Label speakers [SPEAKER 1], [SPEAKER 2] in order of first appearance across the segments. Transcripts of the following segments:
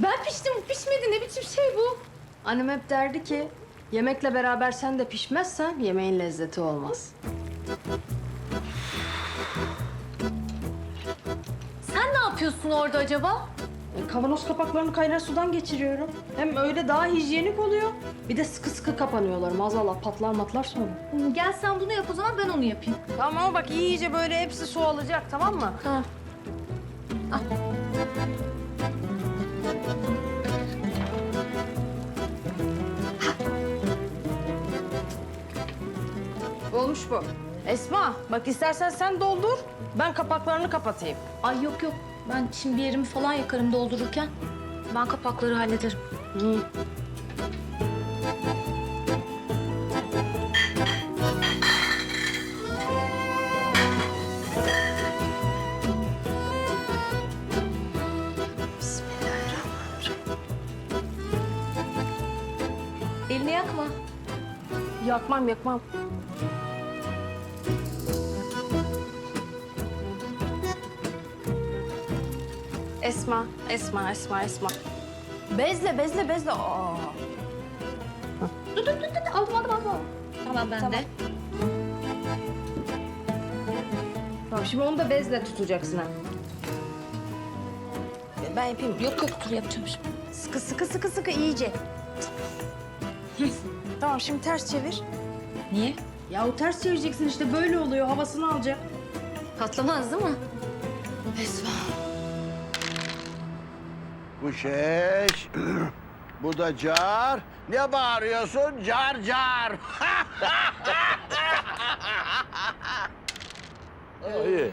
[SPEAKER 1] Ben piştim, bu pişmedi. Ne biçim şey bu? Annem hep derdi ki, yemekle beraber sen de pişmezsen yemeğin lezzeti olmaz.
[SPEAKER 2] Sen ne yapıyorsun orada acaba?
[SPEAKER 1] Kavanoz kapaklarını kaynar sudan geçiriyorum. Hem öyle daha hijyenik oluyor. Bir de sıkı sıkı kapanıyorlar. Maazallah patlar matlar sonra.
[SPEAKER 2] Gel sen bunu yap o zaman, ben onu yapayım.
[SPEAKER 1] Tamam ama bak iyice böyle hepsi su alacak, tamam mı?
[SPEAKER 2] Ha.
[SPEAKER 1] Olmuş bu. Esma, bak istersen sen doldur. Ben kapaklarını kapatayım.
[SPEAKER 2] Ay yok yok. Ben şimdi bir yerimi falan yakarım doldururken. Ben kapakları hallederim.
[SPEAKER 1] İyi.
[SPEAKER 2] Elini yakma.
[SPEAKER 1] Yakmam, yakmam. Esma, Esma, Esma, Esma. Bezle, bezle, bezle. Aa.
[SPEAKER 2] Dur. Aldım. Tamam ben de.
[SPEAKER 1] Tamam, şimdi onu da bezle tutacaksın ha. Ben yapayım.
[SPEAKER 2] Yok dur yapacağım şimdi.
[SPEAKER 1] Sıkı, sıkı, sıkı, sıkı iyice. Tamam, şimdi ters çevir.
[SPEAKER 2] Niye?
[SPEAKER 1] Ya o ters çevireceksin işte, böyle oluyor. Havasını alacak.
[SPEAKER 2] Patlamaz değil mi?
[SPEAKER 1] Esma.
[SPEAKER 3] Bu şeş, bu da car. Ne bağırıyorsun? Car car. İyi.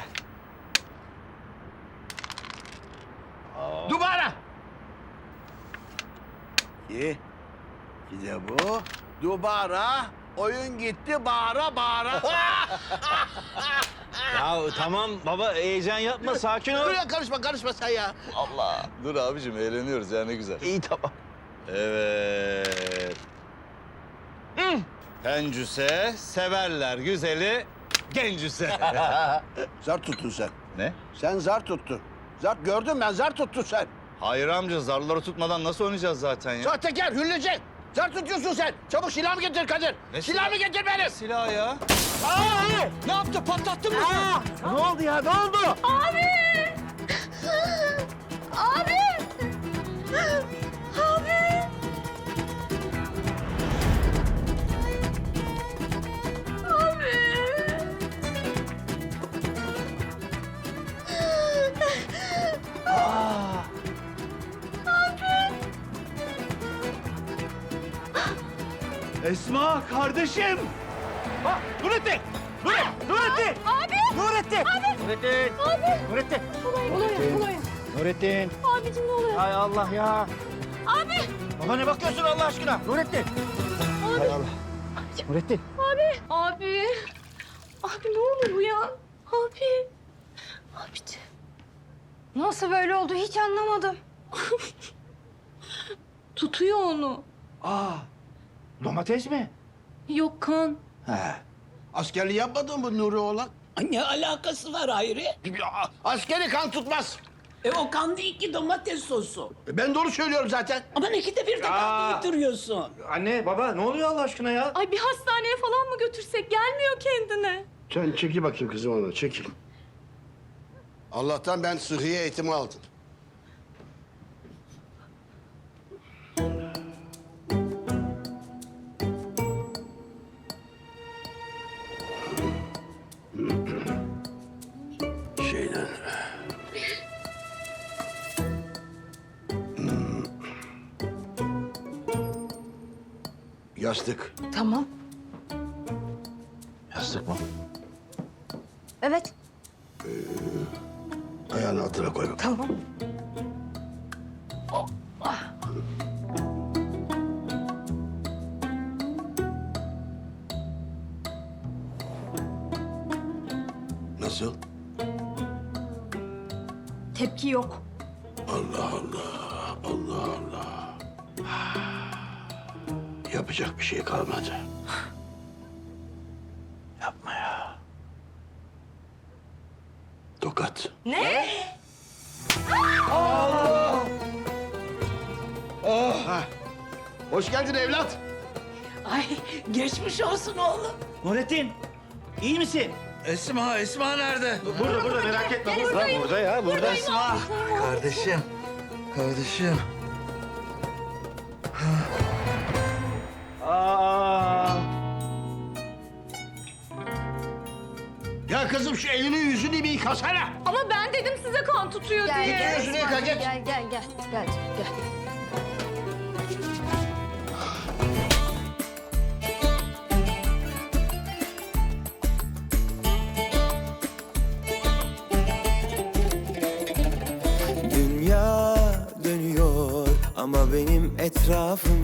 [SPEAKER 3] Dubara. İyi. Bir de bu. Dubara. Oyun gitti bağıra bağıra.
[SPEAKER 4] Ya tamam baba heyecan yapma sakin ol.
[SPEAKER 3] Dur ya karışma sen ya.
[SPEAKER 4] Allah. Dur abicim eğleniyoruz ya ne güzel. İyi tamam. Evet. Pencüse severler güzeli gencüse.
[SPEAKER 3] Zar tuttun sen.
[SPEAKER 4] Ne?
[SPEAKER 3] Sen zar tuttun. Zar gördüm ben zar tuttun sen.
[SPEAKER 4] Hayır amca zarları tutmadan nasıl oynayacağız zaten ya?
[SPEAKER 3] Sahtekar, hülleci. Zar tutuyorsun sen. Çabuk silahımı getir Kadir.
[SPEAKER 4] Ne
[SPEAKER 3] Silahımı getir benim.
[SPEAKER 4] Silah ya.
[SPEAKER 3] Aa!
[SPEAKER 4] Ne yaptı patlattın mı sen?
[SPEAKER 3] Ne oldu ya? Ne oldu?
[SPEAKER 2] Abi!
[SPEAKER 4] Esma kardeşim. Bak Nurettin. Nurettin.
[SPEAKER 2] Abi!
[SPEAKER 4] Nurettin. Nurettin. Nurettin.
[SPEAKER 1] Oluyor.
[SPEAKER 4] Nurettin.
[SPEAKER 2] Abicim ne oluyor?
[SPEAKER 4] Hay Allah ya.
[SPEAKER 2] Abi!
[SPEAKER 4] Baba ne bakıyorsun Allah aşkına? Nurettin. Hay Allah. Nurettin.
[SPEAKER 2] Abi! Abi ne oluyor ya? Abi! Abiciğim.
[SPEAKER 1] Nasıl böyle oldu hiç anlamadım.
[SPEAKER 2] Tutuyor onu.
[SPEAKER 4] Aa. Domates mi?
[SPEAKER 2] Yok kan.
[SPEAKER 3] He. Askerliği yapmadın mı Nuri oğlan?
[SPEAKER 5] Ne alakası var Hayri?
[SPEAKER 3] Askeri kan tutmaz.
[SPEAKER 5] O kan değil ki domates sosu.
[SPEAKER 3] Ben doğru söylüyorum zaten.
[SPEAKER 5] Ama ikide bir de kan getiriyorsun.
[SPEAKER 4] Anne baba ne oluyor Allah aşkına ya?
[SPEAKER 2] Ay bir hastaneye falan mı götürsek? Gelmiyor kendine.
[SPEAKER 3] Sen çekil bakayım kızım ona, çekil. Allah'tan ben sıhhiye eğitimi aldım. Şeyden... Yastık.
[SPEAKER 1] Tamam.
[SPEAKER 4] Yastık mı?
[SPEAKER 1] Evet.
[SPEAKER 3] Ayağını altına koy bak.
[SPEAKER 1] Tamam.
[SPEAKER 3] Nasıl?
[SPEAKER 1] Tepki yok.
[SPEAKER 3] Allah Allah, Allah Allah. Yapacak bir şey kalmadı.
[SPEAKER 4] Yapma ya.
[SPEAKER 3] Tokat.
[SPEAKER 1] Ne?
[SPEAKER 3] Hoş geldin evlat.
[SPEAKER 5] Ay geçmiş olsun oğlum.
[SPEAKER 4] Nurettin, iyi misin?
[SPEAKER 3] Esma nerede?
[SPEAKER 4] Burada merak etme. Burada ya, burada.
[SPEAKER 3] Esma. Kardeşim.
[SPEAKER 4] Aa.
[SPEAKER 3] Ya kızım şu elini yüzünü bir yıkasana.
[SPEAKER 2] Ama ben dedim size kan tutuyor
[SPEAKER 6] Gel,
[SPEAKER 2] diye.
[SPEAKER 6] gel,
[SPEAKER 3] yüzünü yıka, geç.
[SPEAKER 6] Gel.
[SPEAKER 7] Dünya dönüyor ama benim etrafım